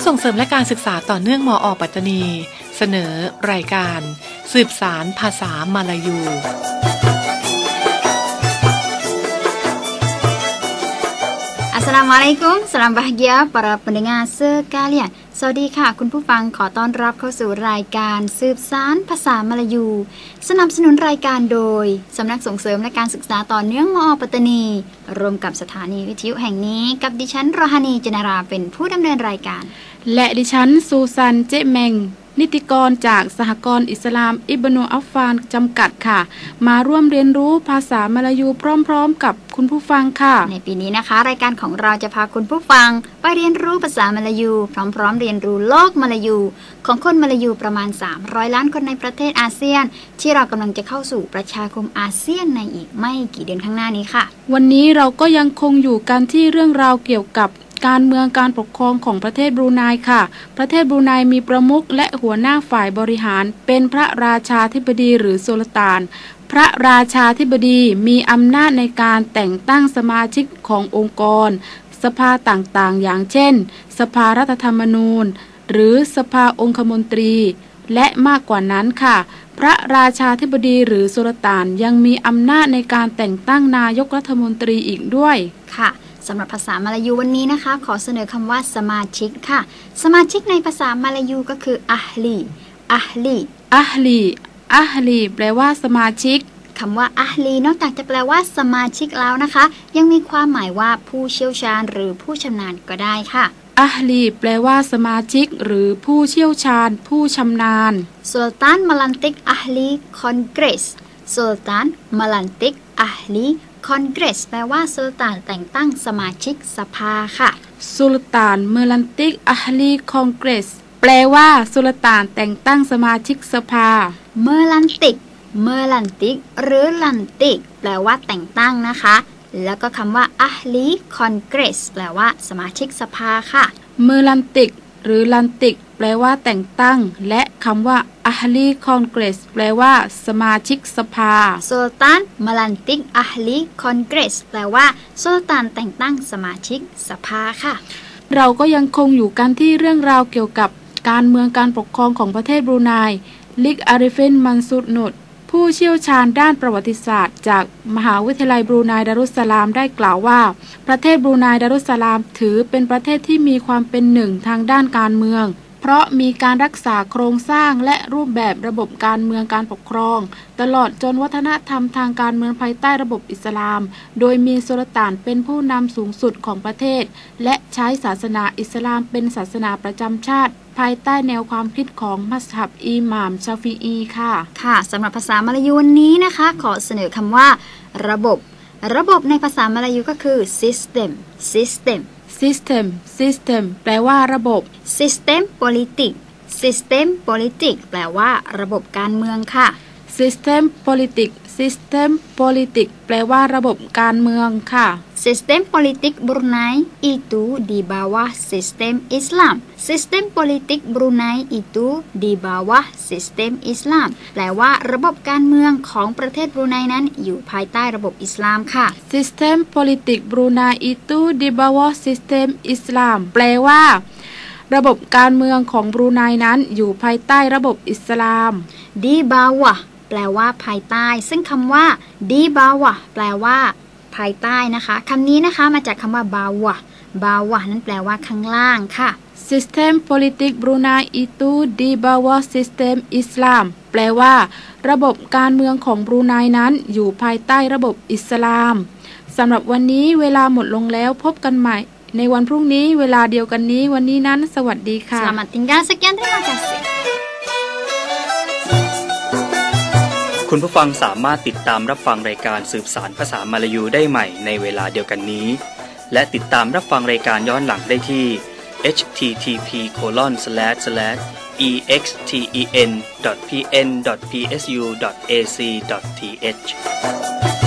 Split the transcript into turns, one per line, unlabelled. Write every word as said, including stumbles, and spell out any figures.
ส่งเสริมและการศึกษาต่อเนื่องมอ.ปัตตานีเสนอรายการสืบสานภาษามาลายู
Assalamualaikum, salam bahagia para pendengar sekalian สวัสดีค่ะคุณผู้ฟังขอต้อนรับเข้าสู่รายการสืบสานภาษามลายูสนับสนุนรายการโดยสำนักส่งเสริมและการศึกษาต่อเนื่องมอ.ปัตตานีร่วมกับสถานีวิทยุแห่งนี้กับดิฉันรอฮานีจนาราเป็นผู้ดำเนินรายการ
และดิฉันซูซันเจเมงนิติกรจากสหกรณ์อิสลามอิบนุอัฟฟานจำกัดค่ะมาร่วมเรียนรู้ภาษามลายูพร้อมๆกับคุณผู้ฟังค่ะ
ในปีนี้นะคะรายการของเราจะพาคุณผู้ฟังไปเรียนรู้ภาษามลายูพร้อมๆเรียนรู้โลกมลายูของคนมลายูประมาณสามร้อยล้านคนในประเทศอาเซียนที่เรากำลังจะเข้าสู่ประชาคมอาเซียนในอีกไม่กี่เดือนข้างหน้านี้ค่ะ
วันนี้เราก็ยังคงอยู่กันที่เรื่องราวเกี่ยวกับการเมืองการปกครองของประเทศบรูไนค่ะประเทศบรูไนมีประมุขและหัวหน้าฝ่ายบริหารเป็นพระราชาธิบดีหรือสุลต่านพระราชาธิบดีมีอำนาจในการแต่งตั้งสมาชิกขององค์กรสภาต่างๆอย่างเช่นสภารัฐธรรมนูญหรือสภาองคมนตรีและมากกว่านั้นค่ะพระราชาธิบดีหรือสุลต่านยังมีอำนาจในการแต่งตั้งนายกรัฐมนตรีอีกด้วย
ค่ะสำหรับภาษามลายูวันนี้นะคะขอเสนอคำว่าสมาชิกค่ะสมาชิกในภาษามลายูก็คืออัฮลีอัฮลี
อัฮลีอัฮลีแปลว่าสมาชิก
คำว่าอัฮลีนอกจากจะแปลว่าสมาชิกแล้วนะคะยังมีความหมายว่าผู้เชี่ยวชาญหรือผู้ชำนาญก็ได้ค่ะ
อัฮลีแปลว่าสมาชิกหรือผู้เชี่ยวชาญผู้ชำนาญ
สุลต่านมลันติกอัฮลีคอนเกรสสุลต่านมลันติกอัฮลีคอนเกรสแปลว่าสุลต่านแต่งตั้งสมาชิกสภาค่ะ
สุลต่านเมลันติกอัฮลีคอนเกรสแปลว่าสุลต่านแต่งตั้งสมาชิกสภา
เมลันติกเมลันติกหรือลันติกแปลว่าแต่งตั้งนะคะแล้วก็คำว่าอัฮลีคอนเกรสแปลว่าสมาชิกสภาค่ะ
เมลันติกหรือลันติกแปลว่าแต่งตั้งและคำว่าอัฮลีคอนเกรสแปลว่าสมาชิกสภา
สุลต่านมลันติกอัฮลีคอนเกรสแปลว่าสุลต่านแต่งตั้งสมาชิกสภาค่ะ
เราก็ยังคงอยู่กันที่เรื่องราวเกี่ยวกับการเมืองการปกครองของประเทศบรูไนลิกอาริฟินมันซูดนุดผู้เชี่ยวชาญด้านประวัติศาสตร์จากมหาวิทยาลัยบรูไนดารุสสลามได้กล่าวว่าประเทศบรูไนดารุสสลามถือเป็นประเทศที่มีความเป็นหนึ่งทางด้านการเมืองเพราะมีการรักษาโครงสร้างและรูปแบบระบบการเมืองการปกครองตลอดจนวัฒนธรรมทางการเมืองภายใต้ระบบอิสลามโดยมีสุลต่านเป็นผู้นำสูงสุดของประเทศและใช้ศาสนาอิสลามเป็นศาสนาประจำชาติภายใต้แนวความคิดของมัซฮับอิหม่ามชาฟิอีค่ะ
ค่ะสำหรับภาษามลายูวันนี้นะคะขอเสนอคำว่าระบบระบบในภาษามลายูก็คือ system system
system system แปลว่าระบบ
system politik system politik แปลว่าระบบการเมืองค่ะ
system politik system politik แปลว่าระบบการเมืองค่ะ
Sistem politik Brunei itu di bawah sistem Islam. Sistem politik Brunei itu di bawah sistem Islam. แปลว่าระบบการเมืองของประเทศบรูไนนั้นอยู่ภายใต้ระบบอิสลามค่ะ
Sistem politik Brunei itu di bawah sistem Islam แปลว่าระบบการเมืองของบรูไนนั้นอยู่ภายใต้ระบบอิสลาม
Di bawah แปลว่าภายใต้ซึ่งคำว่า di bawah แปลว่าภายใต้นะคะคำนี้นะคะมาจากคำว่าบาวะบาวะนั้นแปลว่าข้างล่างค่ะ
Sistem politik Brunei itu di bawah sistem Islam แปลว่าระบบการเมืองของบรูไนนั้นอยู่ภายใต้ระบบอิสลามสำหรับวันนี้เวลาหมดลงแล้วพบกันใหม่ในวันพรุ่งนี้เวลาเดียวกันนี้วันนี้นั้นสวัสดีค่ะ
Selamat tinggal sekian terima kasih
คุณผู้ฟังสามารถติดตามรับฟังรายการสืบสารภาษามลายูได้ใหม่ในเวลาเดียวกันนี้และติดตามรับฟังรายการย้อนหลังได้ที่ เอช ที ที พี โคลอน สแลช สแลช อี เอ็กซ์ ที อี เอ็น ดอท พี เอ็น ดอท พี เอส ยู ดอท เอ ซี ดอท ที เอช